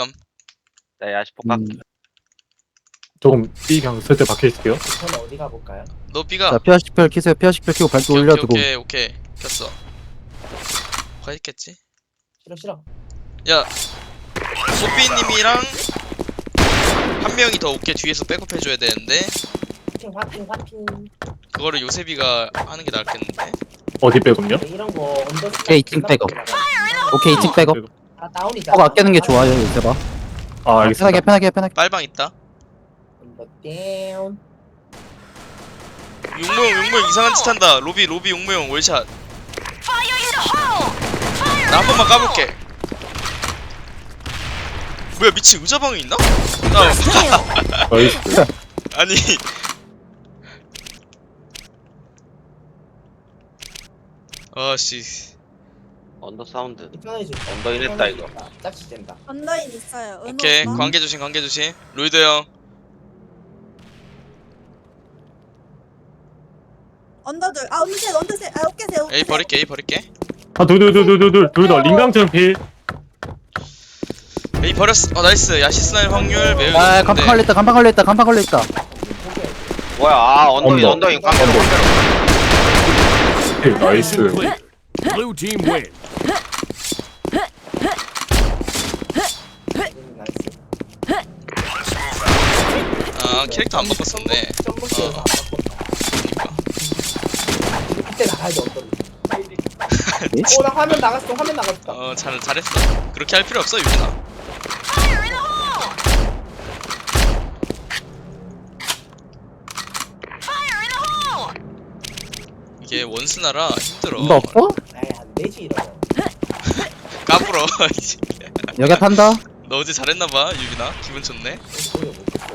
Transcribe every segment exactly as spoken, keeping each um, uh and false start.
B감. 나 야시 폭각. 음, 조금 B 그냥 설때 박혀 있을게요. 저는 어디 가볼까요? 너 B가. 자 피아십팔 키세요. 피아십팔 키고 발도 오케이, 올려두고. 오케이 오케이 오케이 켰어. 가 있겠지? 싫어 싫어. 야 소피님이랑 한 명이 더 오케이 뒤에서 백업 해줘야 되는데 화핑 화핑 화핑. 그거를 요셉이가 하는 게 낫겠는데. 어디 빼군요? 네, 이런 거 언더. 오케이, 이층 백업. 오케이 이층 백업. 아 다운이잖아. 꼭 아끼는 게 좋아요 요새봐. 아 편하게 알겠습니다. 편하게 편하게. 빨방 있다. 언더 다운. 용모형 용모형 이상한 짓 한다. 로비 로비 용모형 월샷. 나 한 번만 까볼게. 뭐야 미친 의자방에 있나? 나 나이스. 아니 아씨 언더 사운드. 편해지. 언더인 했다 이거. 짝지 된다. 언더인 있어요. 은호 오케이 오빠. 관계 조심 관계 조심. 로이드 형 언더들. 아 언더셋 언더셋. 아 어깨셋 어깨셋. A 버릴게 A 버릴게. 아둘둘둘둘둘둘다 링강처럼 필. A 버렸어. 어 나이스. 야시스 날 확률 매우 아 간판 높은데. 걸렸다. 간판 걸렸다. 간판 걸렸다. 뭐야? 아 언더인 언더. 언더인 깡패로 깡패로. 오케이, 나이스. Blue team win. 음, 나이스. 아 캐릭터 안 바꿨었네. 점프에서 안 바꿨다. 이때 나가야 돼 언더. 오나 화면 나갔어. 화면 나갔다. 어 잘 잘했어. 그렇게 할 필요 없어 유진아. 이게 원스나라 힘들어. 뭔가 없어? 에이 안 되지 이러면. 까불어. 여기 탄다. 너 어제 잘했나봐 유빈아. 기분 좋네. 보여 못 봤어.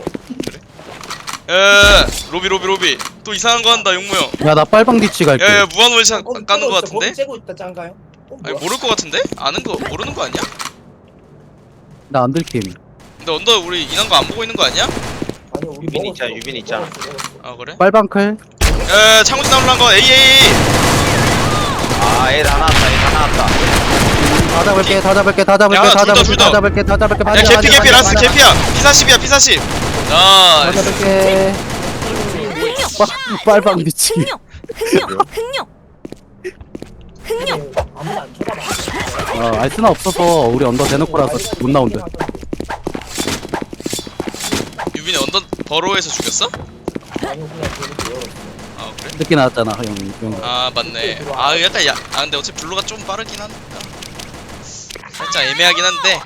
에 로비 로비 로비. 또 이상한 거 한다 용모형. 야 나 빨방 뒤치 갈게. 야야 무한 월샷 거기 까는 거 째고 있어. 거기 같은데? 째고 있다 짱가요? 어, 아니 뭐야? 모를 거 같은데? 아는 거 모르는 거 아니야? 나 안 들킴. 근데 언더 우리 인한 거 안 보고 있는 거 아니야? 아니 우리 유빈 먹었어. 있잖아, 유빈 있잖아. 먹었어, 먹었어. 아 그래? 빨방 클. 에 창호지 나올란 거 A A A. 아 A 다 나왔다. A 다 나왔다. 다 잡을게. 다 잡을게. 다 잡을게. 야, 다 둘 다, 둘 잡을게. 다. 다 잡을게. 다 잡을게. 야 맞아, 개피 맞아, 개피 맞아, 라스 맞아. 개피야. 피 사십이야 피 사십. 다 나이스. 잡을게. 빨- 빨방 뒤치. 흥룡 흥룡 흥룡 흥룡. 근데 아무도 안 쳐다봐. 어 알스나 없어서 우리 언더 대놓고라서 못 나온대. 유빈이 언더 버로에서 죽였어? 아니 그냥 그렇게 열었어. 아 그래? 늦게 나왔잖아 형. 형. 아 맞네. 아 약간 야, 아 근데 어차피 블루가 좀 빠르긴 하니까 살짝 애매하긴 한데.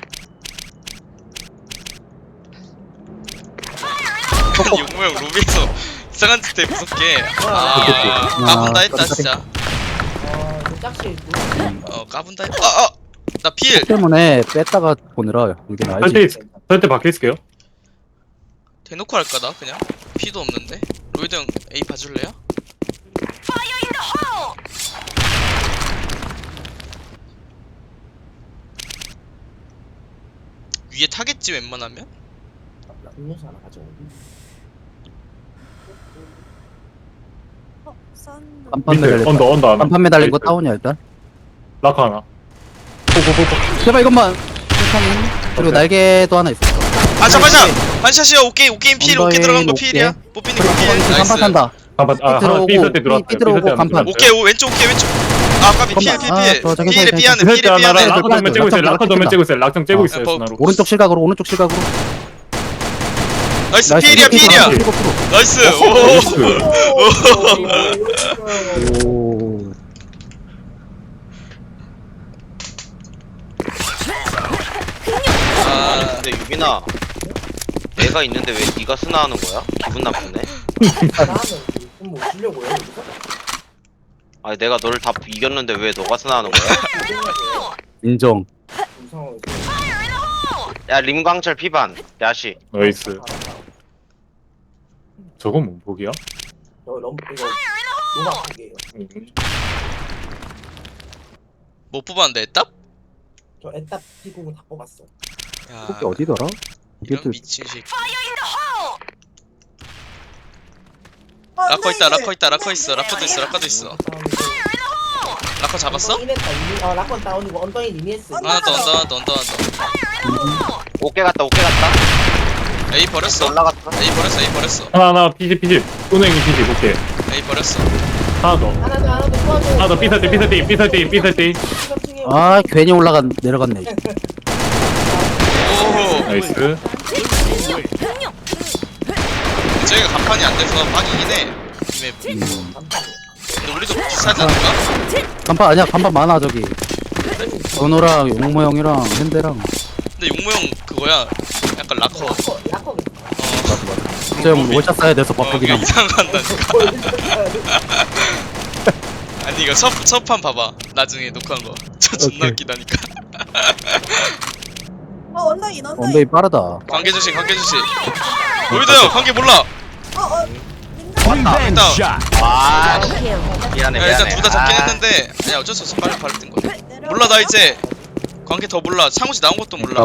용모형 로비에서 이상한 짓 해 무섭게. 아 까분다 했다 진짜. 아 이거 짝지. 어 까분다 했다. 아아 나 필. 때문에 뺐다가 보느라 이게 나지. 설때 설때 박혀 있을게요. 대놓고 할까 나 그냥? 피도 없는데. 로이드 형 A 봐줄래요? 위에 타겠지 웬만하면? 음료수 하나 가져오고. 어 썬. 간판 밑에 매달린 언더 언더 하나. 간판 매달린 거 나이스. 다운이야 일단. 라카 하나. 포포포포. 제발 이것만. 천천히. 그리고 오케이. 날개도 하나 있어. 아 잠깐만 반샷이야 오케이 오케이 필 오케이 언더인 들어간 거 오케이. 필이야. 뽀삐님 그리고 필 간판 나이스. 탄다. 한번 아 하나 들어오고, B 설때 들어왔어요. B 들어오고 B 설때 간판. 들어왔어요. 오케이 오 왼쪽 오케이 왼쪽. 아 까비 필 잠깐만. 아, 필필 저 저기 필에 저기 삐하는 그 필에 설때 하나 삐하는. 라카 도면 째고 있어요. 라카 도면 째고 있어요. 락정 째고 아, 있어요. 뭐, 스나로. 오른쪽 실각으로 오른쪽 실각으로. 나이스 나이스, 필이야 이렇게 필이야. 일곱 프로. 나이스. 오. 오. 아 근데 유빈아, 내가 있는데 왜 네가 스나하는 거야? 기분 나쁘네. 나는 좀뭐 주려고요. 여기서? 아니 내가 너를 다 이겼는데 왜 너가 스나하는 거야? 인정. 이 상황에서. 야 림광철 피반 야시. 나이스. 저건 뭐 보기야? 저 럼 이거 노가 크게요. 음. 못 뽑았는데 애답? 저 에따 피구는 다 뽑았어. 야 그게 어디더라? 이게 이런 또 미친 새끼. 어, 라커 있다 언더인. 라커 있다 라커 있어 라커도 있어 라커도 있어. 라커 잡았어? 언더인 했다 이미. 어 라컨 다운이고 언더인 이미 했어. 하나 더 언더 하나 더 언더 하나 더. 오케 갔다 오케 갔다. A 버렸어. 올라갔어. A 버렸어. A 버렸어. 하나 하나 피지 피지. 은행이 피지 오케이. A 버렸어. 하나 더. 하나 더 하나 더 도와줘. 하나 더 삐설띠 삐설띠 삐설띠 삐설띠. 아 괜히 올라간 내려갔네. 오. 나이스. 흥룡. 저희가 간판이 안 돼서 빡이긴 해. 이 맵. 근데 우리도 비슷하지 않을까? 간판 아니야 간판 많아 저기. 전호랑 용모 형이랑 현대랑. 근데 용모형 그거야. 약간 락커. 어. 약거 약거. 저형 월샷 쏴야 돼서 어, 바꾸긴 그냥 함. 이상한다니까. 아니 이거 첫 첫판 봐봐. 나중에 녹화한 거. 저 존나 오케이. 웃기다니까. 어 언더인 언더인. 언더이 빠르다. 관계 주시, 관계 주시. 보이드요, 관계 몰라. 어어. 왔다. 일단 아 씨. 미안해 야, 미안해. 일단 둘 다 잡긴 아, 했는데, 아니 어쩔 수 없어. 빨리 빨리 뜬 거야. 몰라 나 이제 관계 더 몰라. 창호지 나온 것도 몰라.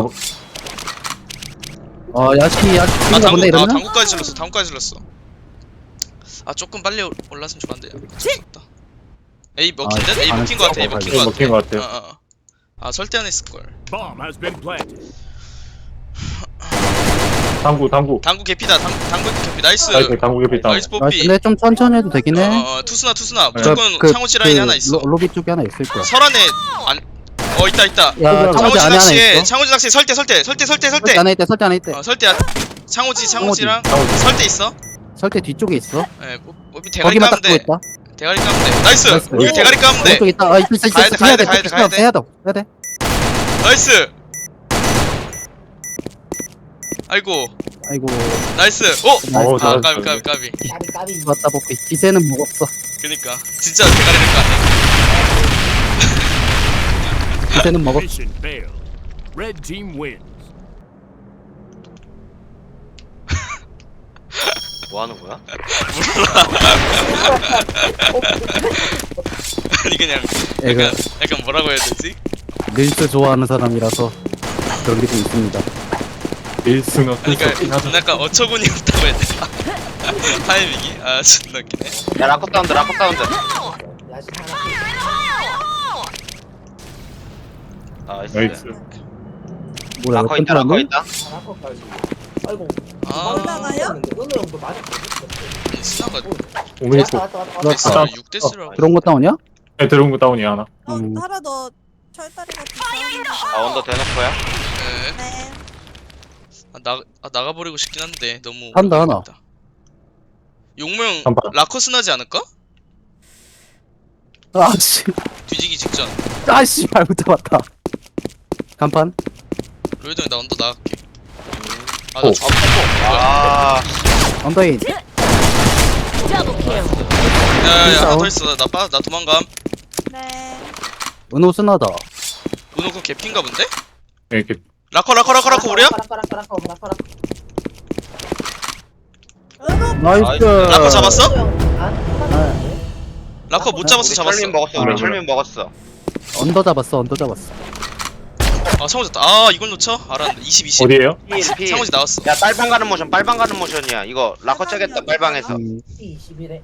어 야ski 야ski 아 친가 당구, 본데 아 이러면? 당구까지 질렀어. 당구까지 질렀어. 아 조금 빨리 올- 올랐으면 좋았는데. 어쩔 수 없다. A 먹힌 듯? A 아, 먹힌 거 같아. A 아, 먹힌 네, 거 먹힌 것 같아. 같아요. 어, 어, 어. 아 설대 안 했을 걸. Bomb has been planted. 당구 당구. 당구 개피다. 당 당구 개피. 나이스. 나이스 당구 개피 있다. 나이스 아 뽀삐. 근데 좀 천천히 해도 되긴 어, 해. 어, 어, 투스나 투스나. 네. 무조건 그- 창호지 라인에 그 하나 있어. 로, 로비 쪽에 하나 있을 거야. 설안에 안. 어 있다 있다. 야 창호지 창호지 안에 하나 낚시에 있어. 창호지 낚시 설대 설대 설대 설대 설대 설대. 안에 있대 설대 안에 있대. 어 설대. 안- 창호지 창호지랑 창호지. 설대 있어. 설대 뒤쪽에 있어. 예, 뽀- 뽀삐 대가리 거기만 까면 딱 보고 돼. 있다. 대가리 까면 돼. 나이스. 나이스. 이거 대가리 까면 돼. 오른쪽 있다. 아 있어 있어 가야 있어. 돼, 가야 해야 돼, 돼. 가야 돼, 가야 돼. 해야 돼. 해야 돼. 나이스. 아이고. 아이고 나이스. 오. 어우, 아 잘했어. 까비 까비 까비. 까비 까비. 좋았다 뽀삐. 기세는 먹었어. 그니까 진짜 대가리를 까네. 기세는 먹었어. Mission failed. Red team wins. 뭐 하는 거야? 아니 그냥 애가 약간 약간 뭐라고 해야 되지? 릴스 좋아하는 사람이라서 그런 게 좀 있습니다. 일승은 그러니까 긴 하죠. 약간 어처구니 없다고 해야 되나? 타이밍이 아 존나 웃기네. 야 라커 사운드 라커 사운드. 야시 하나. 나이스. 나이스. 뭐야 라커 있다 라커 있다. 하나까지. 아이고. 아 올라가요? 은우 형도 맞았거든. 스나가 오메 왔다 또. 왔다 왔다. 나- 데스를 아, 육 데스라고. 그런 거 다운이야? 네, 들어온 거 다운이 하나. 어 음. 하나 더 철다리 같은 사운드가. 아 언더 대놓고야. 네. 네. 아, 나 아, 나가버리고 싶긴 한데 너무. 한다, 하나. 어렵다. 용명 한 번. 라커 스나지 않을까? 아씨 뒤지기 직전. 아씨 말 못해봤다. 간판? 로이동이 나 언더 나갈게. 오. 아나 죽. 아 언더인. 야야야 하나 싸워. 더 있어. 나 빠, 나 도망감. 네. 은호 스나다. 은호 그 개핀가 본데? 네, 이렇게 라커 라커 라커 라커 우리야? 라커 라커 라커 라커 라커. 은호. 나이스. 라커 잡았어? 네. 라커 못 잡았어 우리 잡았어. 철민 먹었어. 아, 우리 그래. 철민 먹었어. 언더 잡았어 언더 잡았어. 아 상호지 다. 아 이걸 놓쳐? 알았는데. 이십 이십. 어디에요? 필 필. 상호지 나왔어. 야 빨방 가는 모션 빨방 가는 모션이야. 이거 라커 짜겠다 빨방에서. 음, 이십일에.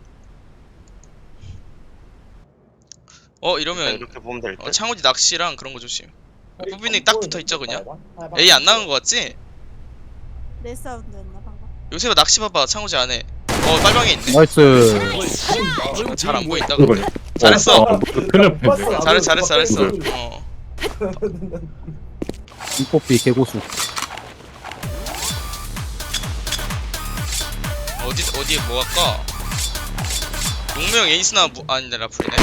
어 자, 이러면 이렇게 보면 될 어, 듯. 창호지 낚시랑 그런 거 조심. 부빈이 딱 붙어 있죠 그냥. A 안 나간 거 같지? 내 사운드였나 방금. 요새가 낚시 봐봐 창호지 안에. 어 빨방에 있네. 나이스. Blue 잘 안 team 보인다. wins. 그거요. 잘했어. 어, 큰일 날 잘했어 잘했어 잘했어. 어. 이뽀삐 개고수. 어디 어디에 뭐 할까? 용명 에이스나 무, 아닌데 라플이네.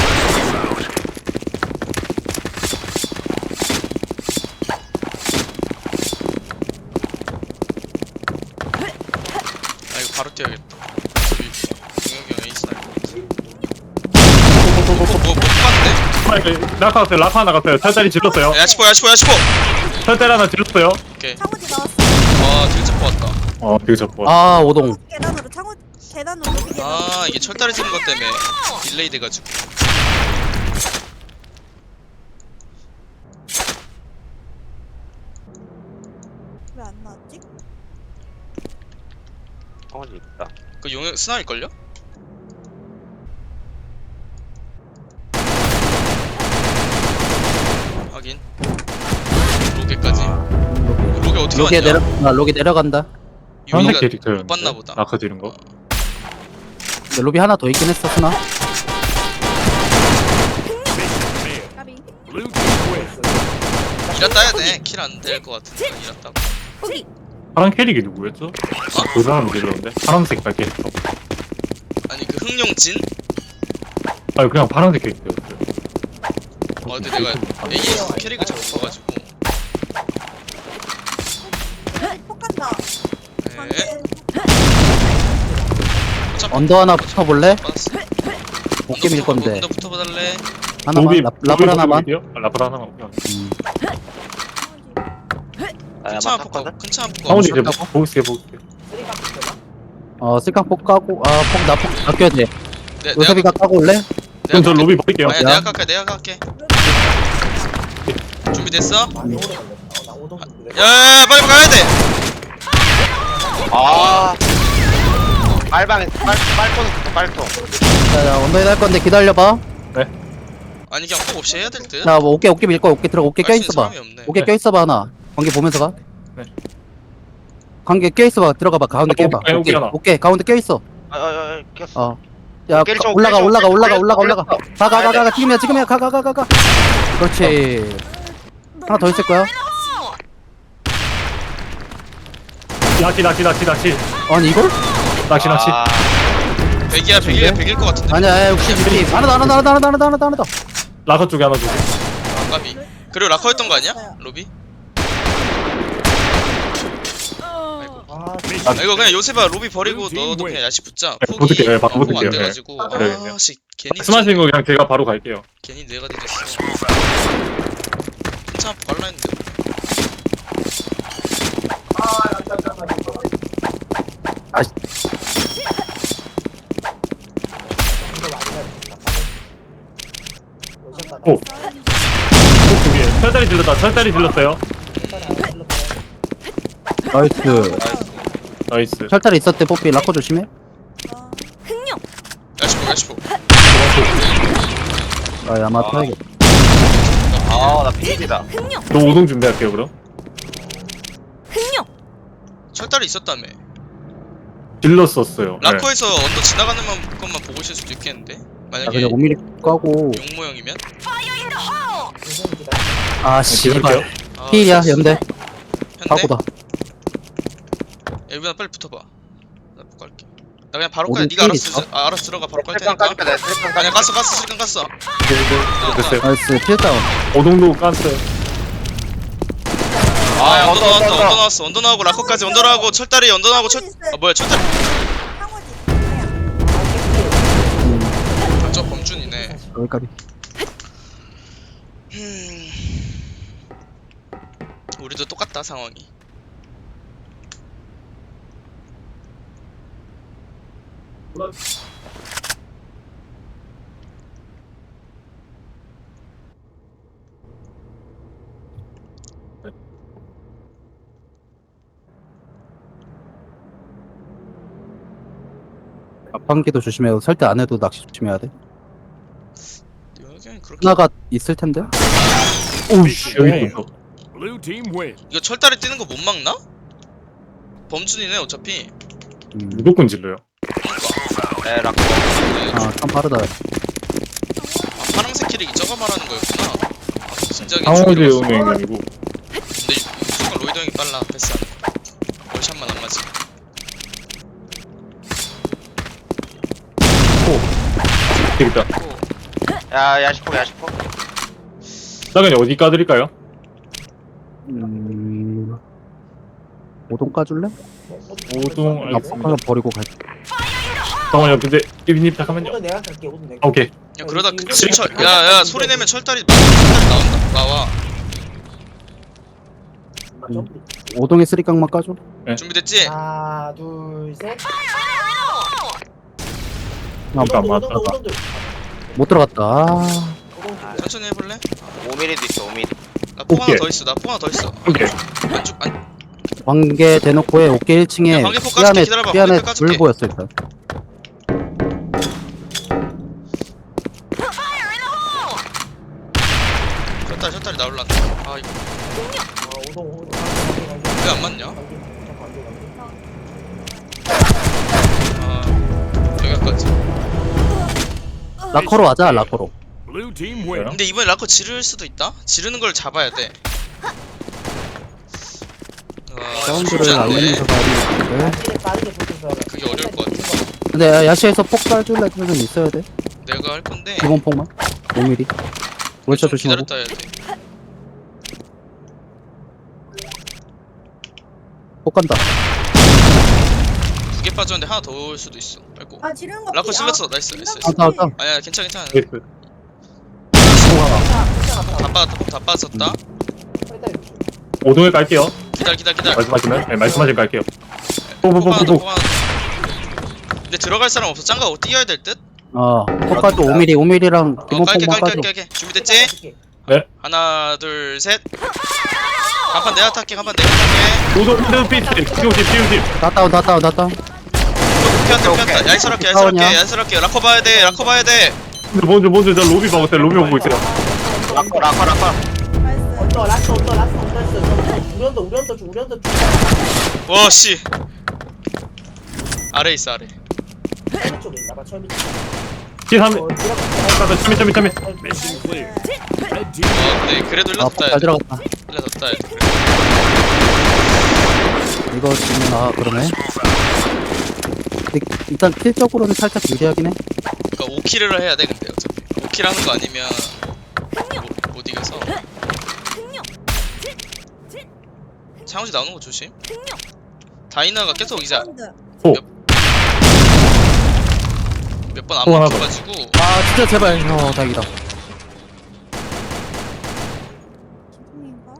아 이거 바로 뛰어야겠다. 용혁이 형 에이스나. 뭐뭐 뽑았대? 라카 갔어요. 라카 하나 갔어요. 철다리 질렀어요. 야치포 야치포 야치포. 철다리 하나 질렀어요. 오케이. 창호지 나왔어. 아 딜자 뽑았다. 어, 되게 잡고. 아 오동. 계단으로 창호 계단으로 높이 계단. 아 이게 철다리 지는 것 때문에 딜레이 돼가지고. 왜 안 나왔지? 창호지 있다. 그 용혁 스나일걸요? 확인. 로게까지. 로게 어떻게 로기에 왔냐? 내려 나 로기 내려간다. 파란색 유미가 캐릭터였는데. 못 봤나 보다. 아까 들은 거. 근데 로비 하나 더 있긴 했어 스나. Mission failed. 까비. Blue team wins. 이라 따야 돼. 킬 안 될 것 같으니까 이라 따고. 파란 캐릭이 누구였죠? 그 사람 모르는데. 파란색 발 캐릭터. 아니 그 흥룡진? 아니 그냥 파란색 캐릭터였어요. 어 근데 내가 에이에스 캐릭을 잘 못 봐가지고. 폭 간다. 네. 어차피 언더 하나 붙어볼래? 받았어. 어깨 밀 건데. 언더 붙어봐달래. 하나만 라, 라플 하나만. 아, 라플 하나만. 오케이. 음. 아, 큰차 야마 한폭 가고 탔거든? 큰차 한폭 가고. 상훈이 이제 쳤다고? 보겠어요 보겠어요. 쓰리깡 되나? 어 쓸강 폭 까고 아폭나폭 아껴야 돼. 내- 요섭이가 까고 올래? 그럼 저 로비 버릴게요. 아니야 내가 깎게 내가 깎게. 준비됐어? 많이 오래 걸렸다. 어, 나 오동 좀 그래. 야야야 빨리 가야 돼. 아. 빨방에 빨 빨통 있어 빨통. 자, 자 언더에 할 건데 기다려봐. 아니 그냥 폭 없이 해야 될 듯. 자 뭐 어깨 어깨 밀 거야. 어깨 들어 어깨 껴 할수 있는 있어봐. 사람이 없네. 어깨 껴 있어봐 하나. 관계 보면서 가. 네. 관계 껴 있어봐. 들어가봐. 가운데 어, 껴봐. 어깨, 어깨 오케이. 하나. 오케이 가운데 껴 있어. 아아아 꼈어. 어. 야 깨를 가- 좀, 올라가 깨를 좀, 올라가 깨를 올라가 좀, 올라가 올라가. 깨를 가 가 가 가 가 지금이야 지금이야 가 가 가 가 가. 그렇지. 하나 더 있을 거야. 낚시 낚시 낚시 낚시 아니 이걸? 낚시 낚시. 아, 백이야 백이야 백일 것 같은데. 아니야 육십 미리. 하나 더 하나 더 하나 더 하나 더 하나 더 하나 더 하나 더. 라커 쪽에 하나 주세요. 아, 까비. 그리고 라커였던 거 아니야? 로비? 아, 아 이거 그냥 요새봐 로비 버리고 너도 그냥 야시 붙자. 네, 붙을게요. 네, 바로 폭이 붙을게요. 안 돼가지고. 네. 네, 네. 아씨 괜히 말씀하시는 거 그냥 제가 바로 갈게요. 괜히 뇌가 되졌어. 괜찮아 발라 했는데. 오. 오 두개. 철다리 질렀다. 철다리 질렀어요. 나이스. 나이스. 철다리 있었대 뽀삐 라커 조심해. 야시포 야시포. 아 야마 타야겠다. 아나 피입이다. 저 오동 준비할게요 그럼. 철다리 있었다며. 질렀었어요. 네. 라커에서 언더 지나가는 만- 것만 보고 있을 수도 있겠는데. 야 만약에 그냥 오 미리 까고. 용 모형이면. 아 네, 기다릴게요. 씨발. 아, 필이야 연대. 현대. 사고다. 일분아 빨리 붙어봐. 나 못 갈게. 나 그냥 바로 오른 가. 네가 필이 알아서 아, 알아서 들어가 바로 갈 슬쩍 테니까. 까줄까? 내가 슬쩍 아니야 까줄까? 깠어 깠어 실컷 깠어. 됐어요. 나이스 필다운. 오동도 깠어요. 아 아, 언더 언더, 나왔다 언더. 언더 나왔어 언더 나오고 라커까지 언더 나오고 철다리 언더 나오고 철. 아 뭐야 철다리. 상호지. 아, 저 범준이네. 여기까지. 음. 우리도 똑같다 상황이. 앞방기도 조심해야 돼. 설대 안 해도 낚시 조심해야 돼. 여기 그렇게 하나가 있을 텐데. 오우씨 여기 있어. Blue team wins. 이거 철다리 뛰는 거 못 막나? 범준이네 어차피. 음. 무조건 질러요. 네 라커. 네. 아참 빠르다. 아, 파란색 키릭이 저거 말하는 거였구나. 아, 진작에 상호지 죽이러 갔어. 음행이 아니고. 근데 무조건 로이드 형이 빨라 패스 안 해. 월샷만 안 맞지. 되겠다. 또 야 야시포 야시포. 나 그냥 어디 까드릴까요? 음. 오동 까줄래? 오동 앞방 알겠습니다. 하나 버리고 갈게. 잠깐만요. 근데 이빈님 잠깐만요. 오늘 내가 갈게. 오늘 내가. 오케이. 야 그러다 그 철 야야 소리 내면 철다리 철다리 나온다 나와. 음. 오동에 쓰리깡만 까줘. 준비됐지? 하나, 둘, 셋. 아, 이거 안 맞다. 못 들어갔다. 아. 천천히 해볼래? 오 밀리도 있어 오 밀리. 나폭 하나 오케이. 더 있어 나폭 하나 더 있어. 오케이. 안쪽 안 관계 대놓고 해. 오케이 일 층에 야, 관계 폭 삐 까줄게. 안에 기다려봐. 삐 안에 관계 까줄게. 불 보였어 일단. 철다리 철다리 나올란다. 아 이거 오동, 오동. 왜안 라커로 하자 라커로. Blue team wins. 근데 이번에 라커 지를 수도 있다? 지르는 걸 잡아야 돼. 와, 사운드를 쉽지 않네. 알리면서 가야 되는데. 빠르게 빠르게 붙여서. 그게 어려울 것 같아. 근데 야시에서 폭 쏴줄 애들은 있어야 돼. 내가 할 건데 기본 폭만. 오 밀리. 월차 좀 조심하고. 기다렸다 해야 돼. 폭 간다. 두 개 빠졌는데 하나 더 올 수도 있어. 아이고. 아 지르는 거. 라커 피- 실렸어. 아, 나이스, 나이스, 나이스. 다운 다운. 아니야, 괜찮아, 괜찮아. 나이스. 다 빠졌다, 폭다 빠졌다. 오동에 깔게요. 기다려, 기다려, 기다려. 말씀하시면 네, 말씀하실 깔게요. 폭 하나 더, 뽀뽀뽀뽀. 폭 하나 더. 근데 들어갈 사람 없어. 짱가고 뛰어야 될 듯? 어. 폭 까줘 오 밀리 오 밀리랑 어, 기본 깔게, 폭만 깔게, 까줘. 깔게, 깔게. 준비됐지? 네. 하나, 둘, 셋. 한판 내가 탈게, 한판 내가 탈게. 오동 오동 피트. 피오십 피오십. 다 다운 다 다운 다 다운. 피한다, 피한다. 얄스럽게, 얄스럽게, 다운이야. 얄스럽게. 라커 봐야 돼, 라커 봐야 돼. 먼저 먼저 저 로비 봐보세요. 로비 보고 있어요. 라커 라커 라커. 나이스. 언더 라스 언더 라스 언더 있어. 우리 언더 우리 언더 주 우리 언더 주. 와, 씨. 아래 있어, 아래. 철미 쪽에 있나 봐. 철미 쪽. 피삼. 어, 들어가. 참이 참이 참이. Mission clear. Red team. 와, 근데 그래도 일러 아, 뒀다 해야 잘 돼. 들어갔다. 일러 뒀다 해야 돼. 이거 지금 아 그러네. 근데 일단 킬적으로는 살짝 유리하긴 해. 그러니까 오 킬을 해야 돼, 근데 어차피. 오 킬 하는 거 아니면 못, 못 이겨서. 창호지 나오는 거 조심. 다이나가 계속 이제 사운드. 몇 번 안 또 하나 더. 먹혀가지고 아 진짜 제발. 어 다행이다. 기분인가?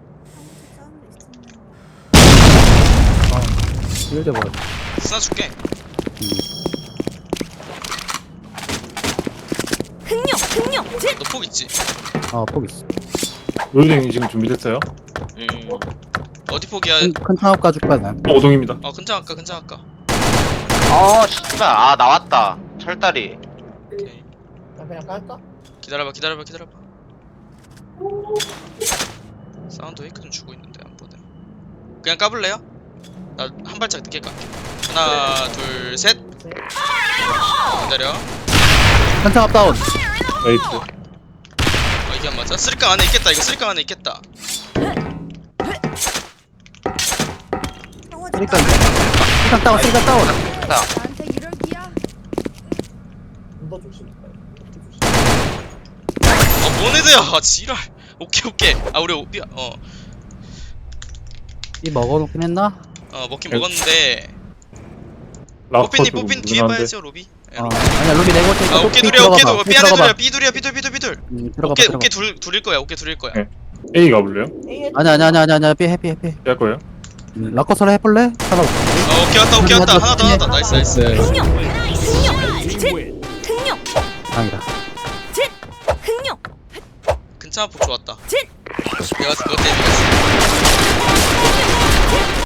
사운드 있었네. 이럴 때 뭐. 쓰나 줄게. 너 폭 있지? 아폭 있어. 로딩 지금 준비됐어요? 음. 어디 폭이야? 큰, 큰 창업 가줄 거야 난. 어, 오동입니다. 어, 근창 아까 근창 아까. 어 씨발 아 나왔다. 철다리. 오케이. 나 그냥 깔까? 기다려봐, 기다려봐, 기다려봐. 사운드 웨이크 좀 주고 있는데 안 보네. 그냥 까볼래요? 나 한 발짝 늦게 깔게. 하나, 둘, 셋. 기다려. 큰 창업 다운. 나이스. 아, 이게 안 맞아? 쓰리깡 안에 있겠다. 이거 쓰리깡 안에 있겠다. 형아 그러니까 일단 다운 일단 다운. 나한테 이럴 기야? 언더 조심. 아, 뭔 애들야? 아, 지랄. 오케이, 오케이. 아, 우리 오비, 어, 이 먹어놓긴 했나? 어, 먹긴 먹었는데. 라커 뽀삐님, 좀 뽀삐님 뒤에 무난한데. 봐야죠, 로비. 어 아니야 로비 내고 있으니까 아, 오케이 삐 둘이야, 오케이 들어가봐. 둘. 삐 삐 안에 둘이야, 들어가봐. 삐 둘이야, 삐 둘, 삐 둘, 삐 둘. 음, 들어가봐 오케이, 들어가봐. 오케이 둘, 둘일 거야, 오케이 둘일 거야. 네. A 가볼래요? 아니야 아니야 아니야 아니야 삐 해피 해피. 할 거예요? 음, 라커서라 해볼래? 하나. 어, 오케이 왔다, 오케이 왔다. 하나 더, 하나 더. 나이스, 나이스. Red team wins. 다행이다. 근창 폭 좋았다. 내가 그것 때문에 이겼어.